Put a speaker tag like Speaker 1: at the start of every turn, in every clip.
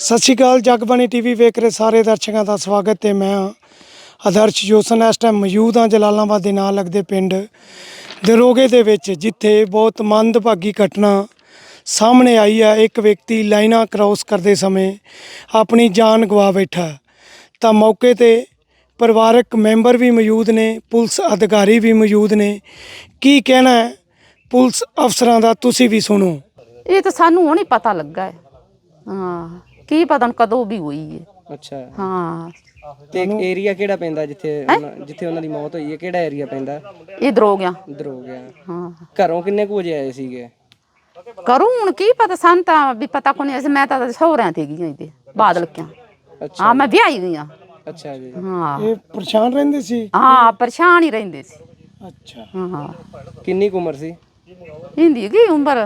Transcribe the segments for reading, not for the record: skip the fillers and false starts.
Speaker 1: ਸਤਿ ਸ਼੍ਰੀ ਅਕਾਲ। ਜਗਬਾਣੀ ਟੀਵੀ ਵੇਖ ਰਹੇ ਸਾਰੇ ਦਰਸ਼ਕਾਂ ਦਾ ਸਵਾਗਤ ਹੈ। ਮੈਂ ਆਦਰਸ਼ ਜੋਸਨ ਇਸ ਟਾਈਮ ਮੌਜੂਦ ਹਾਂ ਜਲਾਲਾਬਾਦ ਦੇ ਨਾਲ ਲੱਗਦੇ ਪਿੰਡ ਦਰੋਗੇ ਦੇ ਵਿੱਚ, ਜਿੱਥੇ ਬਹੁਤ ਮੰਦਭਾਗੀ ਘਟਨਾ ਸਾਹਮਣੇ ਆਈ ਹੈ। ਇੱਕ ਵਿਅਕਤੀ ਲਾਈਨਾਂ ਕ੍ਰਾਸ ਕਰਦੇ ਸਮੇਂ ਆਪਣੀ ਜਾਨ ਗਵਾ ਬੈਠਾ। ਤਾਂ ਮੌਕੇ ਤੇ ਪਰਿਵਾਰਕ ਮੈਂਬਰ ਵੀ ਮੌਜੂਦ ਨੇ, ਪੁਲਿਸ ਅਧਿਕਾਰੀ ਵੀ ਮੌਜੂਦ ਨੇ। ਕੀ ਕਹਿਣਾ ਹੈ ਪੁਲਿਸ ਅਫਸਰਾਂ ਦਾ, ਤੁਸੀਂ ਵੀ ਸੁਣੋ।
Speaker 2: ਇਹ ਤਾਂ ਸਾਨੂੰ ਹੁਣ ਹੀ ਪਤਾ ਲੱਗਾ ਹੈ। ਹਾਂ, ਕੀ ਪਤਾ ਕਦੋਂ ਵੀ ਹੋਈ ਹੈ।
Speaker 3: ਅੱਛਾ
Speaker 2: ਹਾਂ,
Speaker 3: ਤੇ ਏਰੀਆ ਕਿਹੜਾ ਪੈਂਦਾ ਜਿੱਥੇ ਉਹਨਾਂ ਦੀ ਮੌਤ ਹੋਈ ਹੈ? ਕਿਹੜਾ ਏਰੀਆ ਪੈਂਦਾ?
Speaker 2: ਇਧਰ ਹੋ ਗਿਆ।
Speaker 3: ਇੱਧਰ ਹੋ ਗਿਆ।
Speaker 2: ਹਾਂ,
Speaker 3: ਘਰੋਂ ਕਿੰਨੇ ਕੁ ਵਜੇ ਆਏ ਸੀਗੇ?
Speaker 2: ਕਰੂੰ ਹੁਣ ਕੀ ਪਤਾ, ਸਾਨੂੰ ਤਾਂ ਵੀ ਪਤਾ ਕੋਈ ਨਹੀਂ। ਮੈਂ ਤਾਂ ਸਹੁਰਿਆਂ ਤੇ ਗਈ ਤੇ ਬਾਦਲ ਕਿਆ।
Speaker 3: ਅੱਛਾ
Speaker 2: ਹਾਂ, ਮੈਂ ਵਿਆਹੀ ਗਈ ਹਾਂ।
Speaker 3: ਅੱਛਾ ਜੀ।
Speaker 2: ਹਾਂ
Speaker 1: ਇਹ ਪਰੇਸ਼ਾਨ ਰਹਿੰਦੇ ਸੀ?
Speaker 2: ਹਾਂ, ਪਰੇਸ਼ਾਨ ਹੀ ਰਹਿੰਦੇ ਸੀ।
Speaker 1: ਅੱਛਾ।
Speaker 2: ਹਾਂ,
Speaker 3: ਕਿੰਨੀ ਕੁ ਉਮਰ ਸੀ?
Speaker 2: ਹਿੰਦੀ ਕੀ ਉਮਰ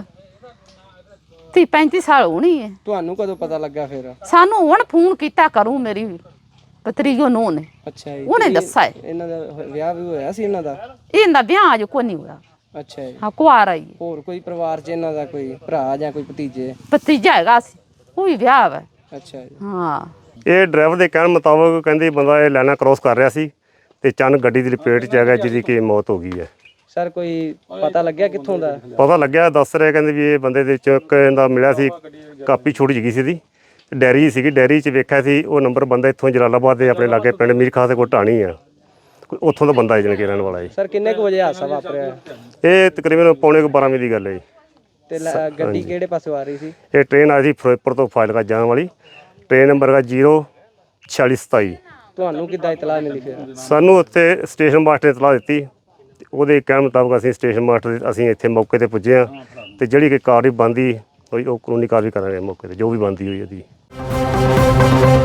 Speaker 2: 30-35 ਸਾਲ ਹੋਣੀ ਹੈ।
Speaker 3: ਤੁਹਾਨੂੰ ਕਦੋਂ ਪਤਾ ਲੱਗਾ ਫਿਰ?
Speaker 2: ਸਾਨੂੰ ਹੁਣ ਫੋਨ ਕੀਤਾ ਕਰੂ ਮੇਰੀ ਪਤਰੀਓ ਨੂੰ ਨੇ।
Speaker 3: ਅੱਛਾ ਜੀ।
Speaker 2: ਉਹਨੇ ਦੱਸਿਆ ਹੈ।
Speaker 3: ਇਹਨਾਂ ਦਾ ਵਿਆਹ ਵੀ ਹੋਇਆ ਸੀ ਇਹਨਾਂ ਦਾ?
Speaker 2: ਇਹਦਾ ਵਿਆਹ ਅਜੇ ਕੋਈ ਨਹੀਂ ਹੋਇਆ।
Speaker 3: ਅੱਛਾ ਜੀ।
Speaker 2: ਹਾਂ, ਕੁਆਰਾ ਹੀ ਹੈ।
Speaker 3: ਹੋਰ ਕੋਈ ਪਰਿਵਾਰ 'ਚ ਇਹਨਾਂ ਦਾ ਕੋਈ ਭਰਾ ਜਾਂ ਕੋਈ ਭਤੀਜੇ?
Speaker 2: ਭਤੀਜਾ ਹੈਗਾ ਸੀ, ਉਹ ਵੀ ਵਿਆਹ ਵਾ।
Speaker 3: ਅੱਛਾ ਜੀ।
Speaker 2: ਹਾਂ,
Speaker 4: ਇਹ ਡਰਾਈਵਰ ਦੇ ਕਹਿਣ ਮੁਤਾਬਕ ਕਹਿੰਦੇ ਬੰਦਾ ਇਹ ਲਾਈਨਾਂ ਕ੍ਰੋਸ ਕਰ ਰਿਹਾ ਸੀ ਤੇ ਚੰਨ ਗੱਡੀ ਦੀ ਲਪੇਟ 'ਚ ਆ ਗਿਆ, ਜਿਹਦੀ ਕਿ ਮੌਤ ਹੋ ਗਈ ਹੈ।
Speaker 3: ਸਰ ਕੋਈ ਪਤਾ ਲੱਗਿਆ ਕਿੱਥੋਂ ਦਾ?
Speaker 4: ਪਤਾ ਲੱਗਿਆ, ਦੱਸ ਰਹੇ ਕਹਿੰਦੇ ਵੀ ਇਹ ਬੰਦੇ ਦੇ ਚੁੱਕ ਦਾ ਮਿਲਿਆ ਸੀ, ਕਾਪੀ ਛੋਟੀ ਜਿਹੀ ਸੀ ਇਹਦੀ, ਡੈਰੀ ਸੀਗੀ, ਡੈਰੀ 'ਚ ਵੇਖਿਆ ਸੀ ਉਹ ਨੰਬਰ ਬੰਦਾ ਇੱਥੋਂ ਜਲਾਲਾਬਾਦ ਦੇ ਆਪਣੇ ਲਾਗੇ ਪਿੰਡ ਮੀਰ ਖਾਸ ਦੇ ਕੋਲ ਢਾਣੀ ਆ, ਉੱਥੋਂ ਦਾ ਬੰਦਾ ਜਣ ਕੇ ਰਹਿਣ ਵਾਲਾ ਜੀ।
Speaker 3: ਸਰ ਕਿੰਨੇ ਕੁ ਵਜੇ ਹਾਦਸਾ ਵਾਪਰਿਆ?
Speaker 4: ਇਹ ਤਕਰੀਬਨ ਪੌਣੇ 12 ਵਜੇ ਦੀ ਗੱਲ ਹੈ ਜੀ।
Speaker 3: ਤੇ ਗੱਡੀ ਕਿਹੜੇ ਪਾਸੋਂ ਆ ਰਹੀ ਸੀ?
Speaker 4: ਇਹ ਟ੍ਰੇਨ ਆਈ ਸੀ ਫਿਰੋਜ਼ਪੁਰ ਤੋਂ ਫਾਜ਼ਿਲਕਾ ਜਾਣ ਵਾਲੀ, ਟ੍ਰੇਨ ਨੰਬਰ ਹੈਗਾ 04627।
Speaker 3: ਤੁਹਾਨੂੰ ਕਿੱਦਾਂ ਇਤਲਾਹ ਮਿਲੀ ਫਿਰ?
Speaker 4: ਸਾਨੂੰ ਉੱਥੇ ਸਟੇਸ਼ਨ ਮਾਸਟਰ ਨੇ ਇਤਲਾਹ ਦਿੱਤੀ, ਉਹਦੇ ਕਹਿਣ ਮੁਤਾਬਕ ਅਸੀਂ ਸਟੇਸ਼ਨ ਮਾਸਟਰ ਅਸੀਂ ਇੱਥੇ ਮੌਕੇ ਤੇ ਪੁੱਜੇ ਹਾਂ ਤੇ ਜਿਹੜੀ ਕਿ ਕਾਰਵਾਈ ਬਣਦੀ ਹੋਈ ਉਹ ਕਾਨੂੰਨੀ ਕਾਰਵਾਈ ਕਰਾਂਗੇ ਮੌਕੇ ਤੇ, ਜੋ ਵੀ ਬਣਦੀ ਹੋਈ ਉਹਦੀ।